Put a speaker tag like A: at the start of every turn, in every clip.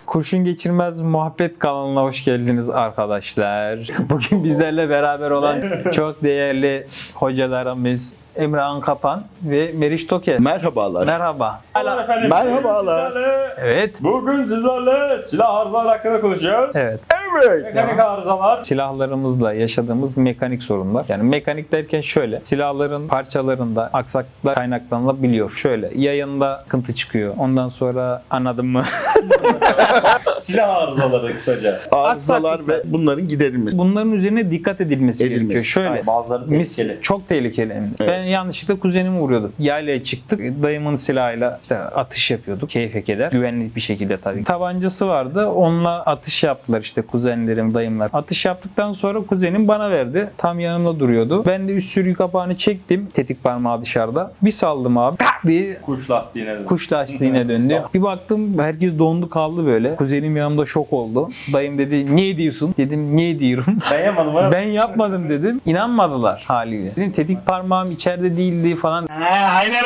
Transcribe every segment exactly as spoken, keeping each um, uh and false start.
A: Kurşun Geçirmez Muhabbet kanalına hoş geldiniz arkadaşlar. Bugün bizlerle beraber olan çok değerli hocalarımız Emrah Kapan ve Meriç Toker.
B: Merhabalar.
A: Merhaba.
C: Merhabalar efendim.
B: Merhabalar.
C: Sizlerle-
A: Evet.
C: Bugün sizlerle silah arızaları hakkında konuşacağız.
A: Evet.
B: Evet.
C: Mekanik arızalar.
A: Silahlarımızla yaşadığımız mekanik sorunlar. Yani mekanik derken şöyle. Silahların parçalarında aksaklıklar kaynaklanabiliyor. Şöyle. Yayında sıkıntı çıkıyor. Ondan sonra anladın mı?
C: Silah arızaları kısaca.
B: Arızalar
A: Aksaklıklar.
B: ve bunların giderilmesi.
A: Bunların üzerine dikkat edilmesi,
B: Edilmesi.
A: gerekiyor. Şöyle.
C: Aynen, bazıları
A: Mis,
C: tehlikeli.
A: çok tehlikeli. hem de.
B: Evet.
A: Ben yanlışlıkla kuzenimi vuruyordum. Yaylaya çıktık. Dayımın silahıyla işte atış yapıyorduk. Keyfe keder. Güvenli bir şekilde tabii. Tabancası vardı. Onunla atış yaptılar işte kuzenlerim, dayımlar. Atış yaptıktan sonra kuzenim bana verdi. Tam yanımda duruyordu. Ben de üst sürgü kapağını çektim. Tetik parmağı dışarıda. Bir saldım abi. Tak diye
C: Kuş lastiğine de.
A: kuş lastiğine döndü. Bir baktım herkes dondu kaldı böyle. Kuzenim yanımda şok oldu. Dayım dedi niye diyorsun? Dedim niye diyorum?
C: Ben yapmadım ha.
A: Ben yapmadım dedim. İnanmadılar haliyle. Dedim tetik parmağım içeride değildi falan.
C: Aynen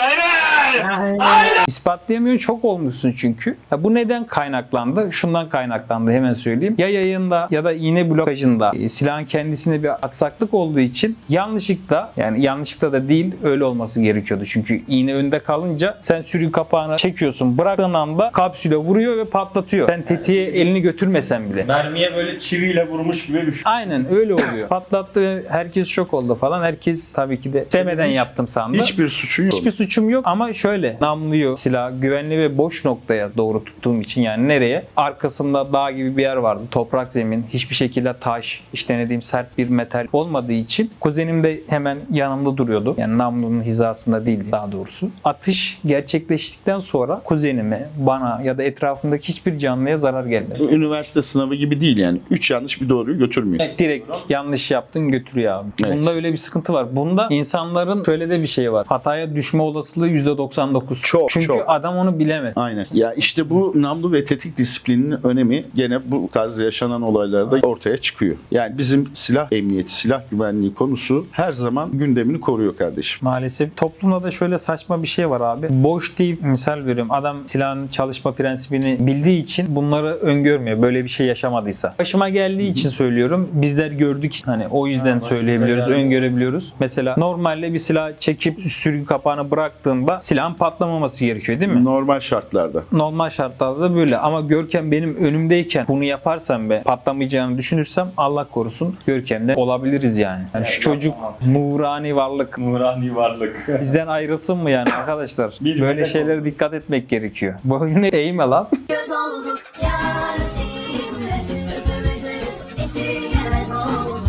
C: aynen.
A: İspatlayamıyor, çok olmuşsun çünkü. Ya bu neden kaynaklandı? Şundan kaynaklandı hemen söyleyeyim. Ya yayında ya da iğne blokajında e, silahın kendisine bir aksaklık olduğu için yanlışlıkla, yani yanlışlıkla da değil öyle olması gerekiyordu. Çünkü iğne önde kalınca sen sürgü kapağını çekiyorsun. Bıraktığın anda kapsüle vuruyor ve patlatıyor. Sen tetiğe elini götürmesen bile.
C: Mermiye böyle çiviyle vurmuş gibi bir şey.
A: Aynen öyle oluyor. Patlattı ve herkes şok oldu falan. Herkes tabii ki de sevmeden
B: hiç-
A: yaptım sandı.
B: Hiçbir suçun yok.
A: Hiçbir suçum yok ama şöyle namluyu silah güvenli ve boş noktaya doğru tuttuğum için, yani nereye? Arkasında dağ gibi bir yer vardı. Toprak zemin. Hiçbir şekilde taş, işte ne diyeyim sert bir metal olmadığı için kuzenim de hemen yanımda duruyordu. Yani namlunun hizasında değildi daha doğrusu. Atış gerçekleştikten sonra kuzenime, bana ya da etrafımdaki hiçbir canlıya zarar gelmedi.
B: Üniversite sınavı gibi değil yani. Üç yanlış bir doğruyu götürmüyor.
A: Direkt yanlış yaptın götürüyor abi.
B: Evet.
A: Bunda öyle bir sıkıntı var. Bunda insanların şöyle de bir şey var. Hataya düşme olasılığı yüzde doksan dokuz.
B: Çok,
A: Çünkü
B: çok.
A: adam onu bilemez.
B: Aynen. Ya işte bu namlu ve tetik disiplininin önemi gene bu tarz yaşanan olaylarda ortaya çıkıyor. Yani bizim silah emniyeti, silah güvenliği konusu her zaman gündemini koruyor kardeşim.
A: Maalesef toplumda da şöyle saçma bir şey var abi. Boş deyip misal veriyorum. Adam silahın çalışma prensibini bildiği için bunları öngörmüyor. Böyle bir şey yaşamadıysa. Başıma geldiği için söylüyorum. Bizler gördük. Hani o yüzden
C: Ha, başımıza
A: söyleyebiliyoruz,
C: geldi.
A: öngörebiliyoruz. Mesela normalde bir silah çekip sürgü kapağını bıraktığında silahın patlamaması gerekiyor değil mi?
B: Normal şartlarda.
A: Normal şartlarda da böyle ama Görkem benim önümdeyken bunu yaparsam ve patlamayacağını düşünürsem Allah korusun Görkem'de olabiliriz yani. Yani şu
C: Evet,
A: çocuk
C: yapamam.
A: nurani varlık
C: Nurani varlık.
A: bizden ayrılsın mı yani arkadaşlar?
C: Bir
A: Böyle
C: melek
A: şeylere dikkat etmek gerekiyor. Boyunu eğme lan.
D: Göz olduk yar seninle sözümüzü esirgemez olduk.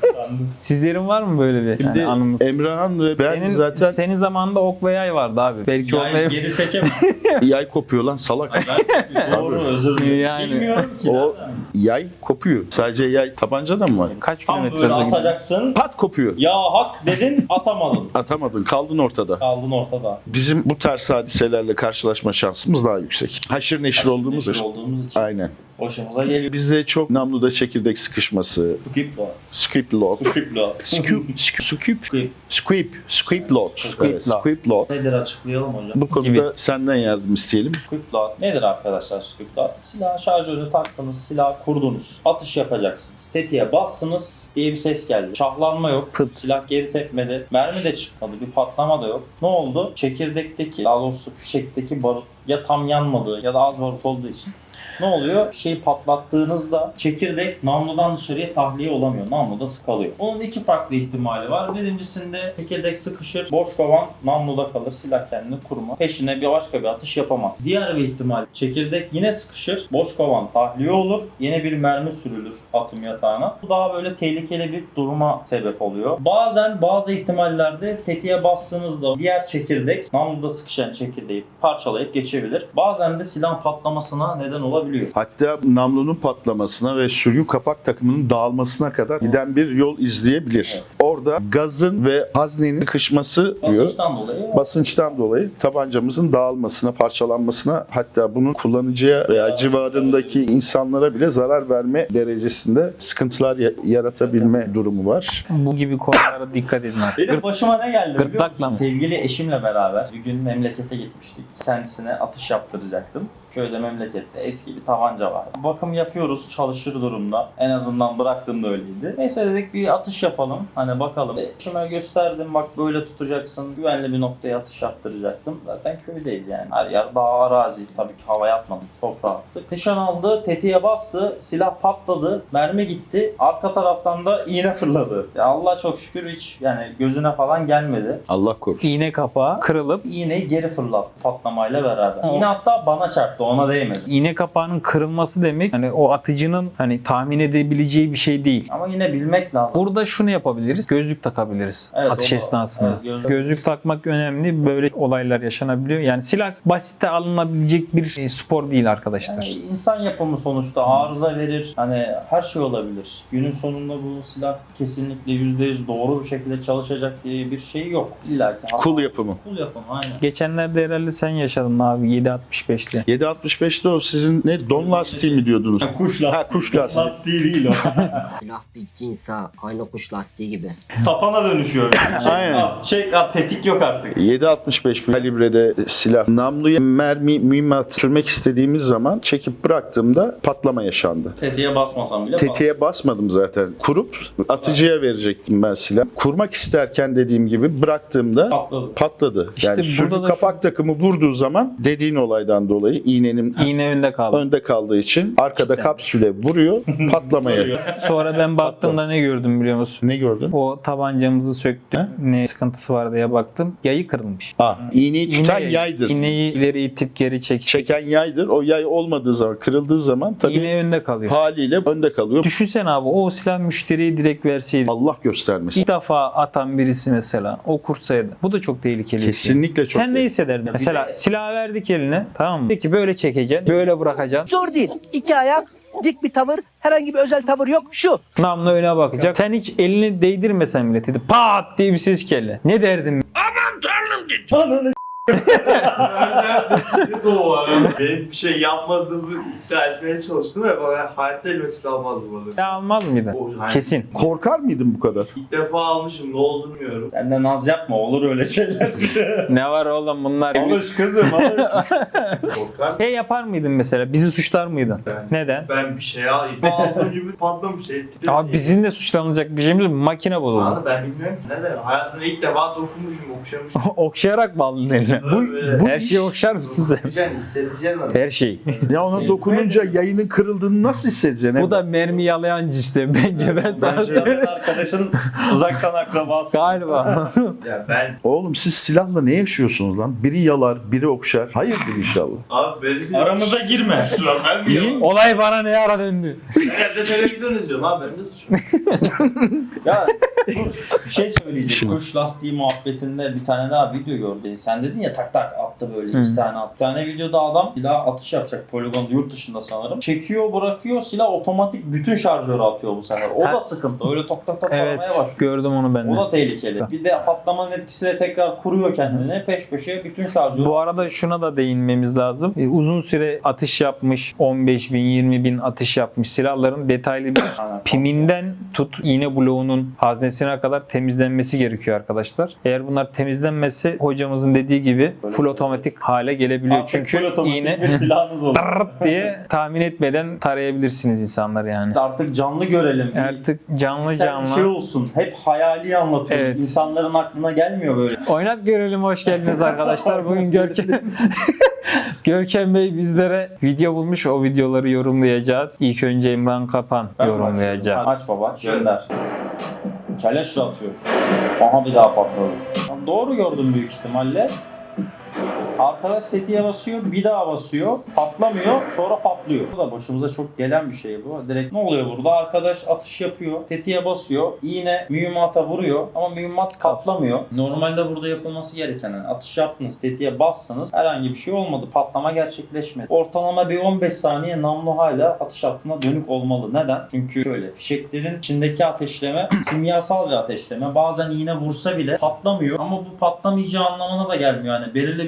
A: Sizlerin var mı böyle bir yani
B: Şimdi
A: anımız?
B: Emrah'ın ve ben
A: Senin,
B: zaten
A: senin zamanında ok ve yay vardı abi. Belki
C: Yani
A: olmayabilir.
C: geri sekemem.
B: yay kopuyor lan salak.
C: Ben doğru özür dilerim.
A: Yani.
C: Bilmiyorum ki.
B: O yay kopuyor. Sadece yay tabanca da mı var?
A: Kaç
C: Tam
A: kilometre
C: böyle
A: hızla gidiyor?
C: atacaksın.
B: Pat kopuyor.
C: Ya hak dedin atamadın.
B: Atamadın. Kaldın ortada.
C: Kaldın ortada.
B: Bizim bu tarz hadiselerle karşılaşma şansımız daha yüksek. Haşır neşir olduğumuz
C: Neşir
B: için.
C: olduğumuz için
B: Aynen.
C: hoşumuza geliyor.
B: Bizde çok namluda çekirdek sıkışması,
C: Skip lot.
B: skip load,
C: Skip lot.
B: skip, skip,
C: Skip.
B: skip, skip load,
A: Skip
B: evet,
A: load.
B: skip load.
C: Nedir açıklayalım hocam?
B: Bu konuda
A: Gibi.
B: senden yardım isteyelim.
C: Squip load nedir arkadaşlar squip load? Silah şarjörünü taktınız, silah kurdunuz. Atış yapacaksınız. Tetiğe bastınız diye bir ses geldi. Şahlanma yok.
A: Pıt.
C: Silah geri tepmedi. Mermi de çıkmadı. Bir patlama da yok. Ne oldu? Çekirdekteki, daha doğrusu fişekteki barut ya tam yanmadığı ya da az barut olduğu için ne oluyor? Şeyi patlattığınızda çekirdek namludan dışarıya tahliye olamıyor. Namluda sıkalıyor. Bunun iki farklı ihtimali var. Birincisinde çekirdek sıkışır, boş kovan namluda kalır, silah kendini kurma. Peşine bir başka bir atış yapamaz. Diğer bir ihtimal çekirdek yine sıkışır, boş kovan tahliye olur, yine bir mermi sürülür atım yatağına. Bu daha böyle tehlikeli bir duruma sebep oluyor. Bazen bazı ihtimallerde tetiğe bastığınızda diğer çekirdek namluda sıkışan çekirdeği parçalayıp geçebilir. Bazen de silah patlamasına neden olabilir.
B: Hatta namlunun patlamasına ve sürgü kapak takımının dağılmasına kadar giden bir yol izleyebilir.
C: Evet.
B: Orada gazın ve haznenin sıkışması diyor.
C: Basınçtan dolayı
B: Basınçtan dolayı tabancamızın dağılmasına, parçalanmasına, hatta bunun kullanıcıya veya civarındaki insanlara bile zarar verme derecesinde sıkıntılar ya- yaratabilme durumu var.
A: Bu gibi konulara dikkat edin artık.
C: benim başıma ne geldi biliyor
A: Gırtlakla
C: musun?
A: mı?
C: Sevgili eşimle beraber bir gün memlekete gitmiştik. Kendisine atış yaptıracaktım. Köyde memlekette eski eski bir tabanca var. Bakım yapıyoruz, çalışır durumda. En azından bıraktığımda öyleydi. Neyse dedik bir atış yapalım. Hani bakalım. E, Şuna gösterdim, bak böyle tutacaksın. Güvenli bir noktaya atış yaptıracaktım. Zaten köydeyiz yani. Her yer dağ, arazi. Tabii ki havaya atmadık, toprağa attık. Nişan aldı, tetiğe bastı, silah patladı, mermi gitti. Arka taraftan da iğne fırladı. Ya Allah çok şükür hiç yani gözüne falan gelmedi.
B: Allah korusun.
A: İğne kapağı kırılıp
C: İğneyi geri fırlattı patlamayla beraber. İğne hatta bana çarptı, ona değmedi.
A: iğne kapağının kırılması demek hani o atıcının hani tahmin edebileceği bir şey değil.
C: Ama yine bilmek lazım.
A: Burada şunu yapabiliriz. Gözlük takabiliriz
C: Evet,
A: atış
C: o da-
A: esnasında.
C: evet, gözlük.
A: Gözlük takmak önemli. Böyle olaylar yaşanabiliyor. Yani silah basite alınabilecek bir e, spor değil arkadaşlar.
C: Yani insan yapımı sonuçta arıza verir. Hani her şey olabilir. Günün sonunda bu silah kesinlikle yüzde yüz doğru bir şekilde çalışacak diye bir şey yok. İlla ki.
B: Kul yapımı.
C: Kul yapımı aynen.
A: Geçenlerde herhalde sen yaşadın abi yedi altmış beşli.
B: yedi altmış beşte o sizin ne don lastiği mi diyordunuz?
C: Kuş
B: Ha kuş lastiği.
C: lastiği değil o.
E: Silah bir cinsa aynı kuş lastiği gibi.
C: Sapana dönüşüyor. Çek
B: Aynen.
C: at, çek at, tetik yok artık.
B: yedi altmış beş kalibrede silah. Namluya mermi, mühimmat sürmek istediğimiz zaman çekip bıraktığımda patlama yaşandı.
C: Tetiğe basmasam bile
B: Tetiğe basmadım zaten. Kurup atıcıya verecektim ben silah. Kurmak isterken dediğim gibi bıraktığımda
C: patladı.
B: patladı.
A: İşte
B: Yani
A: burada
B: sürgü
A: da
B: kapak takımı vurduğu zaman dediğin olaydan dolayı iğnenin
A: İğne önde kaldı.
B: önde kaldığı için arkada kapsüle vuruyor, patlamaya.
A: Sonra ben baktığımda ne gördüm biliyor musun?
B: Ne gördün?
A: O tabancamızı söktüm.
B: He?
A: Ne sıkıntısı var diye baktım. Yayı kırılmış.
B: Aa, iğneyi tutan
A: İğne-
B: yaydır.
A: İğneyi ileri itip geri çek.
B: Çeken yaydır. O yay olmadığı zaman, kırıldığı zaman tabii
A: İğne önde kalıyor.
B: haliyle önde kalıyor.
A: Düşünsene abi o silah müşteriye direkt verseydi.
B: Allah göstermesin.
A: İlk defa atan birisi mesela o kursaydı. Bu da çok tehlikeli. bir şey.
B: Kesinlikle çok.
A: Sen ne hissederdin? Mesela silah verdik eline, tamam mı? Peki böyle çekeceksin, böyle bırakacaksın.
F: Zor değil. İki ayak, dik bir tavır, herhangi bir özel tavır yok. Şu.
A: Namlu öne bakacak. Sen hiç elini değdirmesen bile dedi. Pat diye bir ses geldi. Ne derdin?
C: Ananı
G: Benim bir şey yapmadığımı iddia etmeye çalıştım ve bana hayatta elmesini almazdım onu.
A: Ya almaz mıydın?
G: O- hayır.
A: Kesin.
B: Korkar mıydın bu kadar?
G: İlk defa almışım, ne olduğunu bilmiyorum.
C: Sen de naz yapma, olur öyle şeyler.
A: Ne var oğlum bunlar?
C: Alış kızım alış.
G: Korkar.
A: Şey yapar mıydın mesela? Bizi suçlar mıydın?
G: Ben-
A: Neden?
G: Ben bir şey alayım. Aldığım gibi patlamış. Etkili.
A: Abi bizim de suçlanılacak bir şeyimiz yok. Makine bozuldu.
G: Abi ben bilmiyorum ki neden. Hayatımda ilk defa dokunmuşum, okşamışım.
A: Okşayarak mı aldın eline?
G: Böyle
B: bu
A: Her
B: iş-
A: şeyi okşar mısın sen?
G: Hissedeceksin, hissedeceksin onu.
A: Her şeyi.
B: Ya ona dokununca yayının kırıldığını nasıl hissedeceksin?
A: Bu da mermi yalayan işte. Bence ben sana
C: Bence
A: söyleyeyim.
C: arkadaşın uzaktan akrabası.
A: Galiba.
G: Ya ben,
B: Oğlum siz silahla ne yaşıyorsunuz lan? Biri yalar, biri okşar. Hayırdır inşallah.
G: abi benim
C: Aramıza girme.
G: Lan ben mi yapayım?
A: Olay bana ne ara döndü?
G: Ben evde televizyon izliyorum abi, benim de suçum.
C: Ya dur, bir şey söyleyeceğim. Kuş lastiği muhabbetinde bir tane daha video gördüm. Sen dedin ya tak tak attı böyle iki
A: Hı.
C: tane attı. Bir tane videoda adam silah atış yapacak poligonda yurt dışında sanırım. Çekiyor bırakıyor silah otomatik bütün şarjörü atıyor bu sefer. O
A: Ha.
C: da sıkıntı. Öyle tok tok tok
A: Evet.
C: aramaya başlıyor.
A: Gördüm onu ben de.
C: O da tehlikeli. Bir de patlamanın etkisiyle tekrar kuruyor kendini. Peş peşe bütün şarjörü.
A: Bu arada şuna da değinmemiz lazım. Ee, uzun süre atış yapmış, on beş bin, yirmi bin atış yapmış silahların detaylı bir
C: Aynen.
A: piminden tut iğne bloğunun haznesine kadar temizlenmesi gerekiyor arkadaşlar. Eğer bunlar temizlenmezse hocamızın dediği gibi full otomatik hale gelebiliyor.
C: Artık
A: Çünkü
C: full otomatik
A: iğne
C: bir silahınız olur.
A: Tırt diye tahmin etmeden tarayabilirsiniz insanlar yani.
C: Artık canlı görelim.
A: Artık canlı
C: Fiziksel
A: canlı.
C: bir şey olsun. Hep hayali anlatıyoruz.
A: Evet.
C: İnsanların aklına gelmiyor böyle.
A: Oynat görelim, hoş geldiniz arkadaşlar. Bugün Görkem Görkem Bey bizlere video bulmuş. O videoları yorumlayacağız. İlk önce İmran Kapan
C: Ben
A: yorumlayacak.
C: başlıyorum. Aç baba, gönder. Keleşle atıyor. Aha bir daha patladı. Ya doğru gördüm büyük ihtimalle. Arkadaş tetiğe basıyor, bir daha basıyor, patlamıyor, sonra patlıyor. Bu da başımıza çok gelen bir şey bu. Direkt ne oluyor burada? Arkadaş atış yapıyor, tetiğe basıyor, iğne mühimmata vuruyor ama mühimmat patlamıyor. Normalde burada yapılması gereken yani atış yaptınız, tetiğe bassanız herhangi bir şey olmadı, patlama gerçekleşmedi. Ortalama bir on beş saniye namlu hala atış hattına dönük olmalı. Neden? Çünkü şöyle, fişeklerin içindeki ateşleme kimyasal bir ateşleme. Bazen iğne vursa bile patlamıyor ama bu patlamayacağı anlamına da gelmiyor. Yani belirli bir süre geçtikten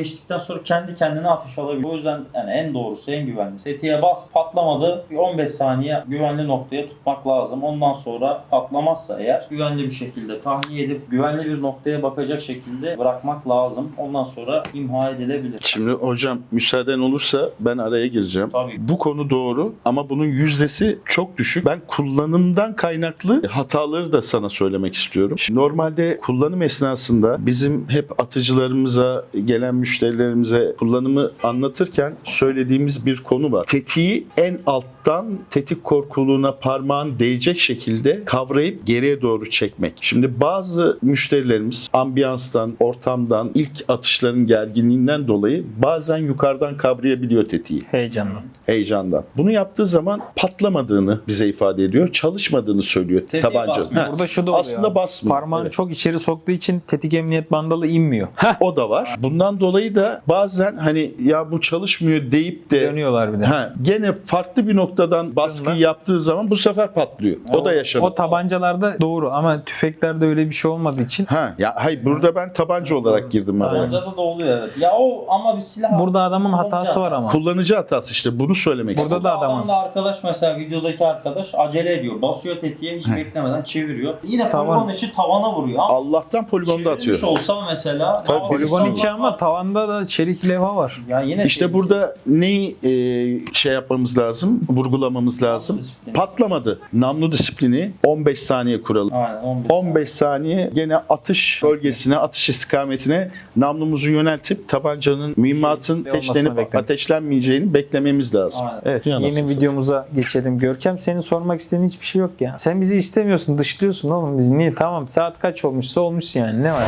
C: geçtikten sonra kendi kendine ateş alabiliyor. O yüzden yani en doğrusu, en güvenlisi. Tetiğe bas, patlamadı. Bir on beş saniye güvenli noktaya tutmak lazım. Ondan sonra patlamazsa eğer güvenli bir şekilde tahliye edip güvenli bir noktaya bakacak şekilde bırakmak lazım. Ondan sonra imha edilebilir.
B: Şimdi hocam müsaaden olursa ben araya gireceğim.
C: Tabii.
B: Bu konu doğru ama bunun yüzdesi çok düşük. Ben kullanımdan kaynaklı hataları da sana söylemek istiyorum. Şimdi normalde kullanım esnasında bizim hep atıcılarımıza, gelen müşterilerimize kullanımı anlatırken söylediğimiz bir konu var. Tetiği en alttan tetik korkuluğuna parmağın değecek şekilde kavrayıp geriye doğru çekmek. Şimdi bazı müşterilerimiz ambiyanstan, ortamdan, ilk atışların gerginliğinden dolayı bazen yukarıdan kavrayabiliyor tetiği.
A: Heyecanlı.
B: Heyecandan. Bunu yaptığı zaman patlamadığını bize ifade ediyor. Çalışmadığını söylüyor
C: Tetiğe
B: tabanca.
C: basmıyor.
B: Ha,
A: Burada şu da oluyor.
B: aslında
A: abi.
B: basmıyor.
A: Parmağını
B: Evet.
A: çok içeri soktuğu için tetik emniyet bandalı inmiyor.
B: O da var. Bundan dolayı da bazen hani ya bu çalışmıyor deyip de
A: Dönüyorlar bir de.
B: ha, gene farklı bir noktadan baskıyı
A: Bunlar-
B: yaptığı zaman bu sefer patlıyor. O da yaşanıyor.
A: O tabancalarda doğru ama tüfeklerde öyle bir şey olmadığı için
B: Ha, ya hayır burada ben tabanca olarak girdim araya.
C: Tabancada da oluyor evet. Ya o ama bir silah.
A: burada adamın
C: Kullanıcı
A: hatası var
C: hatası.
A: ama.
B: Kullanıcı hatası işte bunu söylemek
A: Burada
B: istedim.
A: da adamın.
C: Adam da arkadaş mesela videodaki arkadaş acele ediyor. Basıyor tetiğe hiç beklemeden çeviriyor. Yine
A: Tavan.
C: poligon içi tavana vuruyor. Ama
B: Allah'tan poligonda
C: çevirmiş
B: atıyor.
C: olsa mesela.
B: Tabii,
C: daha
A: Poligon
C: insan
A: içi
C: var.
A: ama tavanda da çelik levha var.
C: Ya yine
B: İşte
C: tehlikeli.
B: burada neyi e, şey yapmamız lazım, vurgulamamız lazım.
C: disiplini.
B: Patlamadı. Namlu disiplini on beş saniye kuralım.
C: Aynen on beş.
B: on beş saniye gene atış bölgesine, atış istikametine namlumuzu yöneltip tabancanın, mühimmatın
A: Şey, olmasını
B: peşlenip
A: beklemek.
B: ateşlenmeyeceğini beklememiz lazım.
C: Aynen.
B: Evet.
A: Yeni videomuza geçelim. Görkem senin sormak istediğin hiçbir şey yok ya. Sen bizi istemiyorsun, dışlıyorsun oğlum bizi. Niye? Tamam saat kaç olmuşsa olmuş yani. Ne var?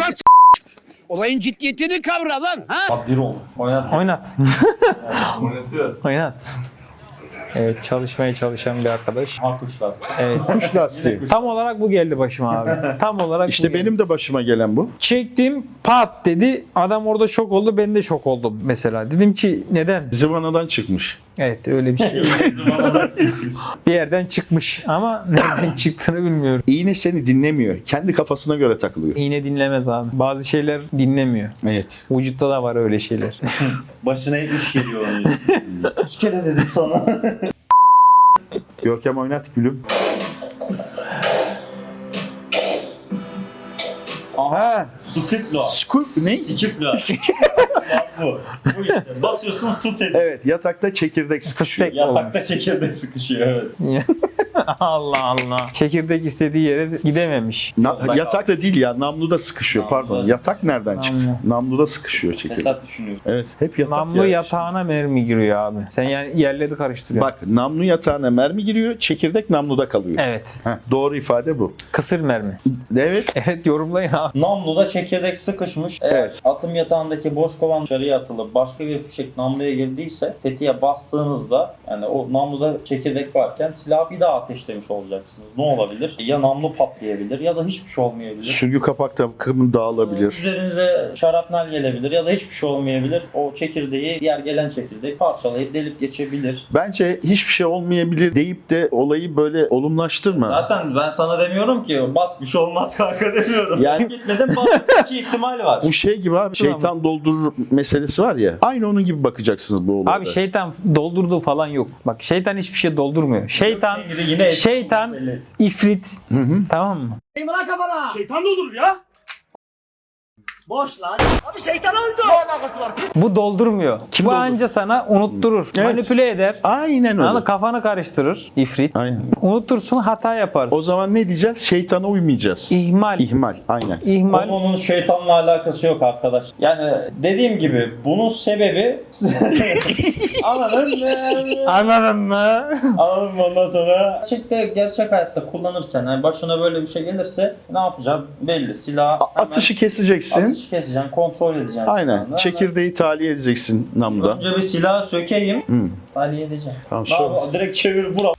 F: Olayın ciddiyetini kavra lan. Ha?
C: Bak bir olmuş. Oynat.
A: Oynat.
G: Oynatıyor.
A: Oynat. Evet çalışmaya çalışan bir arkadaş.
C: Ha kuş lastiği.
A: Evet.
B: Kuş lastiği.
A: Tam olarak bu geldi başıma abi. Tam olarak bu
B: İşte
A: geldi.
B: benim de başıma gelen bu.
A: Çektim pat dedi. Adam orada şok oldu. Ben de şok oldum mesela. Dedim ki neden?
B: Zıvanadan çıkmış.
A: Evet öyle bir şey. Bir yerden çıkmış ama nereden çıktığını bilmiyorum.
B: İğne seni dinlemiyor. Kendi kafasına göre takılıyor.
A: İğne dinlemez abi. Bazı şeyler dinlemiyor.
B: Evet.
A: Vücutta da var öyle şeyler.
C: Başına hep iş geliyor onun. Üç kere dedim sana.
B: Görkem oynat gülüm. Ha,
C: Skipla.
B: skur ne?
C: Skipla. Bu. Bu işte. Basıyorsun pıs ediyor.
B: Evet, yatakta çekirdek sıkışıyor.
A: Fıstık olmuş.
C: Yatakta çekirdek sıkışıyor evet.
A: Allah Allah. Çekirdek istediği yere gidememiş.
B: Na-
C: Yolda
B: yatakta değil ya, namluda sıkışıyor.
C: Namluda
B: Pardon. Yatak nereden
A: Namlu.
B: çıktı? Namluda sıkışıyor çekirdek.
C: Fesat düşünüyor.
B: Evet, hep yatak
A: Namlu
B: ya.
A: yatağına mermi giriyor abi. Sen yani yerleri karıştırıyorsun.
B: Bak, namlu yatağına mermi giriyor, çekirdek namluda kalıyor.
A: Evet.
B: Heh, doğru ifade bu.
A: Kısır mermi.
B: Evet.
A: Evet yorumlayın abi.
C: Namluda çekirdek sıkışmış. Eğer
B: Evet.
C: atım yatağındaki boş kovan dışarıya atılıp başka bir fişek namluya girdiyse tetiğe bastığınızda yani o namluda çekirdek varken silahı bir daha ateşlemiş olacaksınız. Ne olabilir? Ya namlu patlayabilir ya da hiçbir şey olmayabilir.
B: Sürgü kapak takımı dağılabilir.
C: Üzerinize şarapnel gelebilir ya da hiçbir şey olmayabilir. O çekirdeği, diğer gelen çekirdeği parçalayıp delip geçebilir.
B: Bence hiçbir şey olmayabilir deyip de olayı böyle olumlaştırma.
C: Zaten ben sana demiyorum ki bas bir şey olmaz kanka demiyorum.
B: Yani-
C: Gitmedim bas. İki ihtimal var.
B: Bu şey gibi abi, şeytan doldurur meselesi var ya. Aynı onun gibi bakacaksınız bu olaya.
A: Abi şeytan doldurduğu falan yok. Bak şeytan hiçbir şey doldurmuyor. Şeytan,
C: Yine
A: şeytan,
C: belli et.
A: ifrit.
B: Hı hı.
A: Tamam mı?
F: Eyvallah kafana.
G: Şeytan da olur ya.
F: Boş lan. Abi şeytan öldü.
A: Bu doldurmuyor.
B: Kim
A: Bu
B: doldur-
A: anca sana unutturur.
B: Evet.
A: Manipüle eder.
B: Aynen öyle.
A: Anladın, kafanı karıştırır. İfrit.
B: Aynen.
A: Unutursun hata yaparsın.
B: O zaman ne diyeceğiz? Şeytana uymayacağız.
A: İhmal.
B: İhmal. Aynen.
A: İhmal.
C: Konunun şeytanla alakası yok arkadaş. Yani dediğim gibi bunun sebebi anladın mı?
A: Anladın mı?
C: Anladın mı ondan sonra? Gerçekte gerçek hayatta kullanırken yani başına böyle bir şey gelirse ne yapacaksın belli. Silah
B: Atışı keseceksin.
C: atışı keseceksin, kontrol edeceksin.
B: Aynen.
C: silahını.
B: Çekirdeği tahliye edeceksin namluda.
C: Önce bir silahı sökeyim.
B: Hı.
C: Tahliye edeceğim.
B: Tamam,
C: Daha
B: sonra.
C: bu- direkt çevir bura.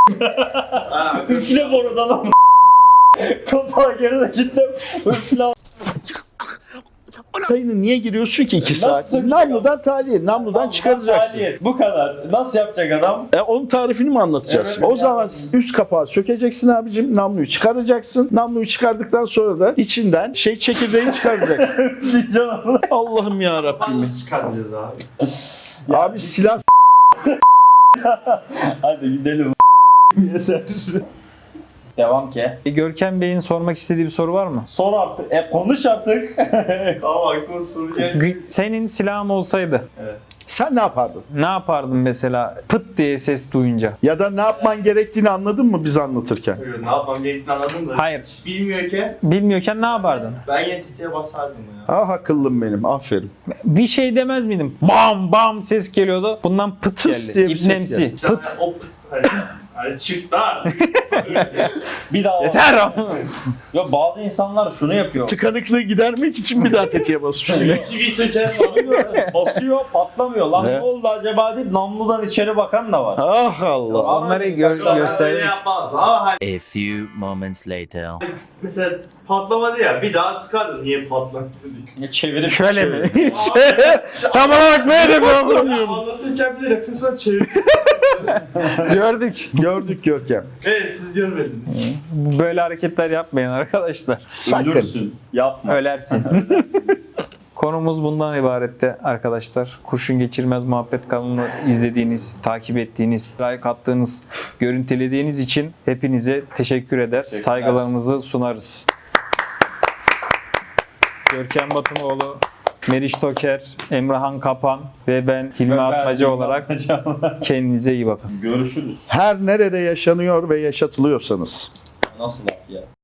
C: Üfle borudan ama. Kapağı geri de kitle. Üfle.
B: Kayını niye giriyorsun ki iki saat?
C: sökecek
B: Namludan tahliye, namludan çıkaracaksın.
C: Maliyet. Bu kadar. Nasıl yapacak adam?
B: E, onun tarifini mi anlatacağız?
C: Evet,
B: o
C: evet.
B: zaman üst kapağı sökeceksin abicim, namluyu çıkaracaksın. Namluyu çıkardıktan sonra da içinden şey çekirdeği çıkaracaksın. Allah'ım ya Rabbim.
G: Nasıl çıkaracağız abi?
B: Abi silah
C: Hadi gidelim. Yeter. Devam ki.
A: E, Görkem Bey'in sormak istediği bir soru var mı?
C: Sor artık. E konuş artık.
G: Tamam aklıma soru geldi.
A: Gü- Senin silahın olsaydı
B: sen ne yapardın?
A: ne yapardın mesela pıt diye ses duyunca?
B: Ya da ne yapman gerektiğini anladın mı biz anlatırken?
G: Buyurun, ne yapmam gerektiğini anladım da.
A: Hayır.
G: Hiç bilmiyorken
A: Bilmiyorken ne yapardın?
G: ben yine tetiğe basardım ya.
B: Ah akıllım benim, aferin.
A: Bir şey demez miydim? Bam bam ses geliyordu. Bundan pıt
B: Tıs
A: geldi.
B: diye bir ses
A: İbnemsi.
B: geldi.
G: İşte
A: Pıt.
G: hani o pıs hani. Hani çıktı artık.
C: Bir daha.
A: Yeter.
C: Ya bazı insanlar şunu yapıyor.
B: Tıkanıklığı gidermek için bir daha tetiğe basmış.
G: Çivi söker
C: Basıyor, patlamıyor. Lan
B: Ne?
C: ne oldu acaba deyip namludan içeri bakan da var.
B: Ah Allah.
A: Onları gör,
G: Öyle
A: göster.
G: yapmaz ama hani
H: A few moments later.
G: mesela patlamadı ya bir daha sıkardım niye patladı diye.
C: Ya çevirip
A: Şöyle mi?
G: Şöyle.
A: Tam olarak böyle yapıyorum.
G: Anlatırken bile refleksyon çevirdim.
A: Gördük.
B: Gördük Görkem.
G: Evet siz görmediniz.
A: Böyle hareketler yapmayın arkadaşlar.
B: Sakın.
C: ölürsün. Yapma.
A: Ölersin. Konumuz bundan ibaretti arkadaşlar. Kurşun Geçirmez Muhabbet kanalını izlediğiniz, takip ettiğiniz, like attığınız, görüntülediğiniz için hepinize teşekkür eder. Saygılarımızı sunarız. Görkem Batımoğlu, Meriç Toker, Emrahan Kapan ve ben Hilmi Atmaca olarak kendinize iyi bakın.
C: Görüşürüz.
B: Her nerede yaşanıyor ve yaşatılıyorsanız
C: Nasıl laf ya?